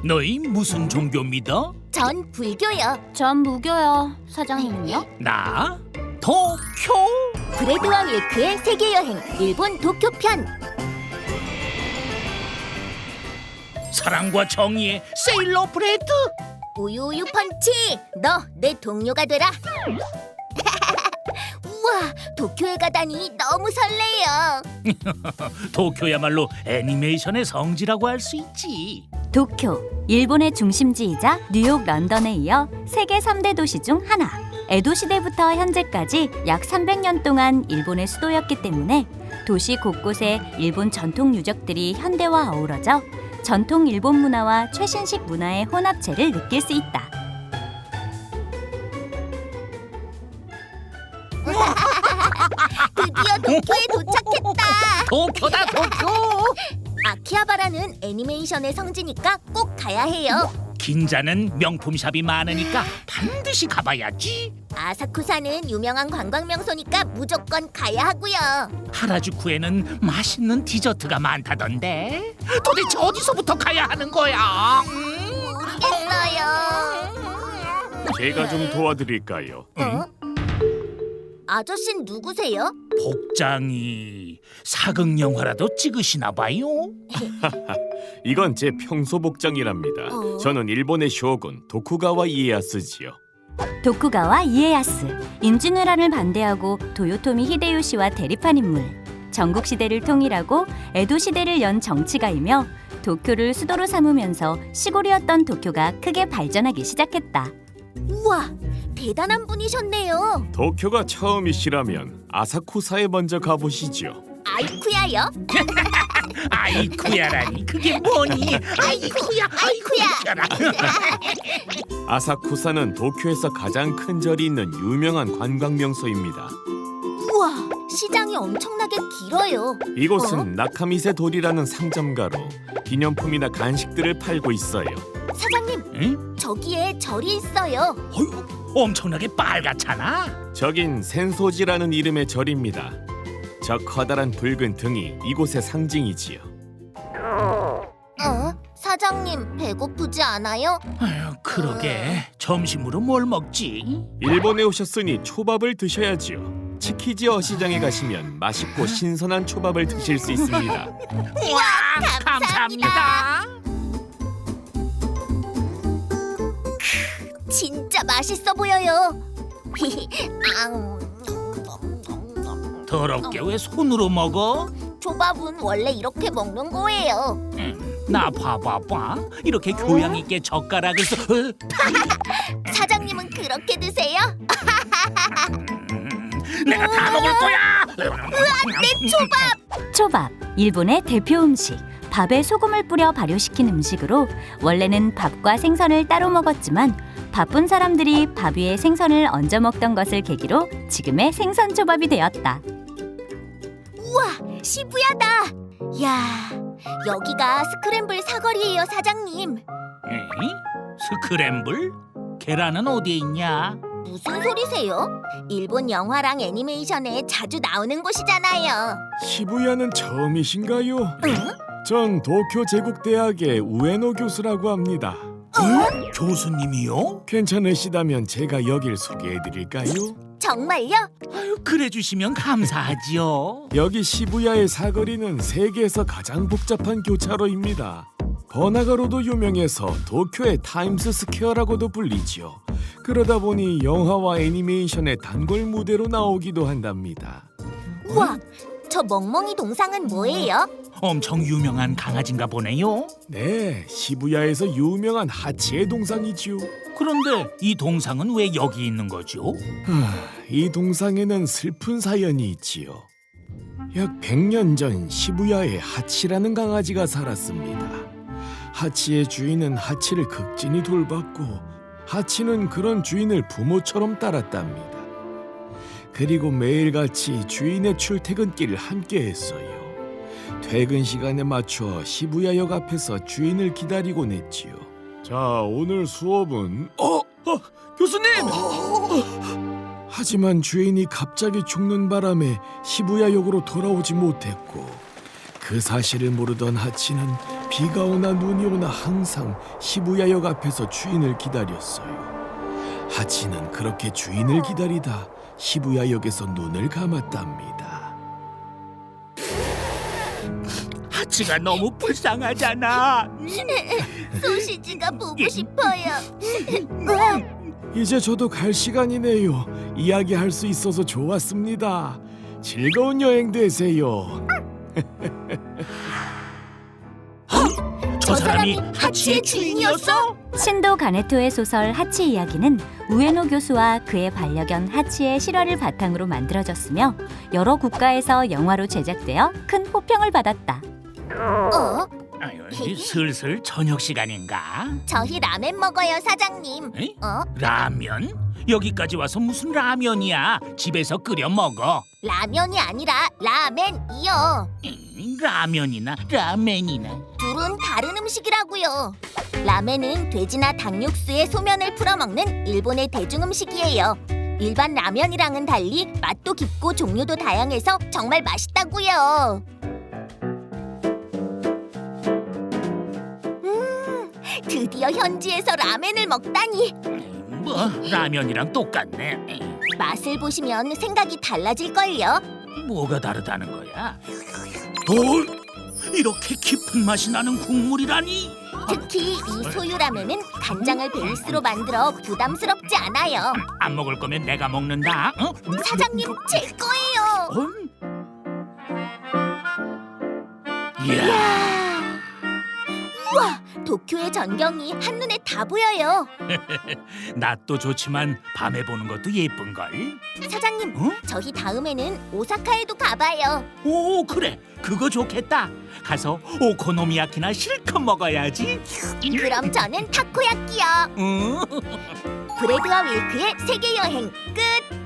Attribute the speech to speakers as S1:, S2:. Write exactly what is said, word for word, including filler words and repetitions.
S1: 너희 무슨 종교 믿어?
S2: 전 불교요.
S3: 전 무교요. 사장님은요?
S1: 나? 도쿄?
S2: 브래드와 윌크의 세계여행 일본 도쿄 편.
S1: 사랑과 정의의 세일러 브레드?
S2: 우유우유 펀치, 너 내 동료가 되라. 우와, 도쿄에 가다니 너무 설레요.
S1: 도쿄야말로 애니메이션의 성지라고 할 수 있지.
S3: 도쿄, 일본의 중심지이자 뉴욕, 런던에 이어 세계 삼 대 도시 중 하나. 에도 시대부터 현재까지 약 삼백 년 동안 일본의 수도였기 때문에 도시 곳곳에 일본 전통 유적들이 현대와 어우러져 전통 일본 문화와 최신식 문화의 혼합체를 느낄 수 있다.
S2: 드디어 도쿄에 도착했다.
S1: 도쿄다 도쿄!
S2: 아키하바라는 애니메이션의 성지니까 꼭 가야 해요.
S1: 긴자는 명품샵이 많으니까 반드시 가봐야지.
S2: 아사쿠사는 유명한 관광 명소니까 무조건 가야 하고요.
S1: 하라주쿠에는 맛있는 디저트가 많다던데. 도대체 어디서부터 가야 하는 거야?
S2: 모르겠어요.
S4: 제가 좀 도와드릴까요?
S2: 어? 아저씨는 누구세요?
S1: 복장이 사극 영화라도 찍으시나 봐요.
S4: 이건 제 평소 복장이랍니다.
S2: 어?
S4: 저는 일본의 쇼군 도쿠가와 이에야스지요.
S3: 도쿠가와 이에야스, 임진왜란을 반대하고 도요토미 히데요시와 대립한 인물. 전국 시대를 통일하고 에도 시대를 연 정치가이며 도쿄를 수도로 삼으면서 시골이었던 도쿄가 크게 발전하기 시작했다.
S2: 우와, 대단한 분이셨네요.
S4: 도쿄가 처음이시라면 아사쿠사에 먼저 가보시죠.
S2: 아이쿠야요?
S1: 아이쿠야라니 그게 뭐니?
S2: 아이쿠야, 아이쿠야.
S4: 아사쿠사는 도쿄에서 가장 큰 절이 있는 유명한 관광 명소입니다.
S2: 우와, 시장이 엄청나게 길어요.
S4: 이곳은
S2: 어?
S4: 나카미세 도리라는 상점가로 기념품이나 간식들을 팔고 있어요.
S2: 사장님,
S1: 응?
S2: 저기에 절이 있어요.
S1: 어휴, 엄청나게 빨갛잖아.
S4: 저긴 센소지라는 이름의 절입니다. 저 커다란 붉은 등이 이곳의 상징이지요.
S2: 어? 사장님, 배고프지 않아요?
S1: 아유, 그러게 점심으로 뭘 먹지?
S4: 일본에 오셨으니 초밥을 드셔야지요. 치키지어 시장에 가시면 맛있고 신선한 초밥을 드실 수 있습니다.
S1: 와,
S2: 감사합니다.
S1: 감사합니다.
S2: 진짜 맛있어 보여요. 앙.
S1: 더럽게 왜 손으로 먹어?
S2: 초밥은 원래 이렇게 먹는 거예요.
S1: 음, 나 봐봐봐. 이렇게 교양 있게 젓가락을 써. 어?
S2: 사장님은 그렇게 드세요?
S1: 음, 내가 다 먹을 거야.
S2: 내 초밥!
S3: 초밥, 일본의 대표 음식. 밥에 소금을 뿌려 발효시킨 음식으로 원래는 밥과 생선을 따로 먹었지만 바쁜 사람들이 밥 위에 생선을 얹어 먹던 것을 계기로 지금의 생선초밥이 되었다.
S2: 우와, 시부야다. 야, 여기가 스크램블 사거리예요, 사장님.
S1: 에이? 스크램블? 계란은 어디에 있냐?
S2: 무슨 소리세요? 일본 영화랑 애니메이션에 자주 나오는 곳이잖아요.
S4: 시부야는 처음이신가요?
S2: 응?
S4: 전 도쿄 제국대학의 우에노 교수라고 합니다.
S1: 어? 교수님이요?
S4: 괜찮으시다면 제가 여길 소개해드릴까요?
S2: 정말요?
S1: 아유, 그래 주시면 감사하지요.
S4: 여기 시부야의 사거리는 세계에서 가장 복잡한 교차로입니다. 번화가로도 유명해서 도쿄의 타임스 스퀘어라고도 불리지요. 그러다 보니 영화와 애니메이션의 단골 무대로 나오기도 한답니다.
S2: 우와, 저 멍멍이 동상은 뭐예요?
S1: 엄청 유명한 강아지인가 보네요.
S4: 네, 시부야에서 유명한 하치의 동상이지요.
S1: 그런데 이 동상은 왜 여기 있는 거죠?
S4: 하, 이 동상에는 슬픈 사연이 있지요. 약 백 년 전 시부야에 하치라는 강아지가 살았습니다. 하치의 주인은 하치를 극진히 돌봤고 하치는 그런 주인을 부모처럼 따랐답니다. 그리고 매일같이 주인의 출퇴근길을 함께 했어요. 퇴근 시간에 맞춰 시부야역 앞에서 주인을 기다리곤 했지요. 자, 오늘 수업은 어? 어 교수님! 어. 하지만 주인이 갑자기 죽는 바람에 시부야역으로 돌아오지 못했고 그 사실을 모르던 하치는 비가 오나 눈이 오나 항상 시부야역 앞에서 주인을 기다렸어요. 하치는 그렇게 주인을 기다리다 시부야역에서 눈을 감았답니다.
S1: 하치가 너무 불쌍하잖아.
S2: 소시지가 보고 싶어요.
S4: 이제 저도 갈 시간이네요. 이야기할 수 있어서 좋았습니다. 즐거운 여행 되세요.
S1: 저 사람이 하치의 주인이었어?
S3: 신도 가네토의 소설 하치 이야기는 우에노 교수와 그의 반려견 하치의 실화를 바탕으로 만들어졌으며 여러 국가에서 영화로 제작되어 큰 호평을 받았다.
S2: 어?
S1: 아유, 이제 슬슬 저녁 시간인가?
S2: 저희 라멘 먹어요, 사장님.
S1: 에이?
S2: 어?
S1: 라면? 여기까지 와서 무슨 라면이야? 집에서 끓여 먹어.
S2: 라면이 아니라 라멘이요.
S1: 음, 라면이나 라멘이나.
S2: 둘은 다른 음식이라고요. 라멘은 돼지나 닭 육수에 소면을 풀어 먹는 일본의 대중 음식이에요. 일반 라면이랑은 달리 맛도 깊고 종류도 다양해서 정말 맛있다고요. 음, 드디어 현지에서 라멘을 먹다니.
S1: 뭐 라면이랑 똑같네. 에이,
S2: 맛을 보시면 생각이 달라질걸요.
S1: 뭐가 다르다는 거야? 뭘? 이렇게 깊은 맛이 나는 국물이라니?
S2: 특히 이 소유라면은 간장을 베이스로 만들어 부담스럽지 않아요.
S1: 안 먹을 거면 내가 먹는다. 어?
S2: 사장님, 제 거예요.
S1: 어? 이야,
S2: 우와, 도쿄의 전경이 한눈에 다 보여요.
S1: 낮도 좋지만 밤에 보는 것도 예쁜 걸.
S2: 사장님,
S1: 어?
S2: 저희 다음에는 오사카에도 가봐요.
S1: 오, 그래, 그거 좋겠다. 가서 오코노미야키나 실컷 먹어야지.
S2: 그럼 저는 타코야끼요.
S1: 응?
S2: 브레드와 윌크의 세계 여행 끝.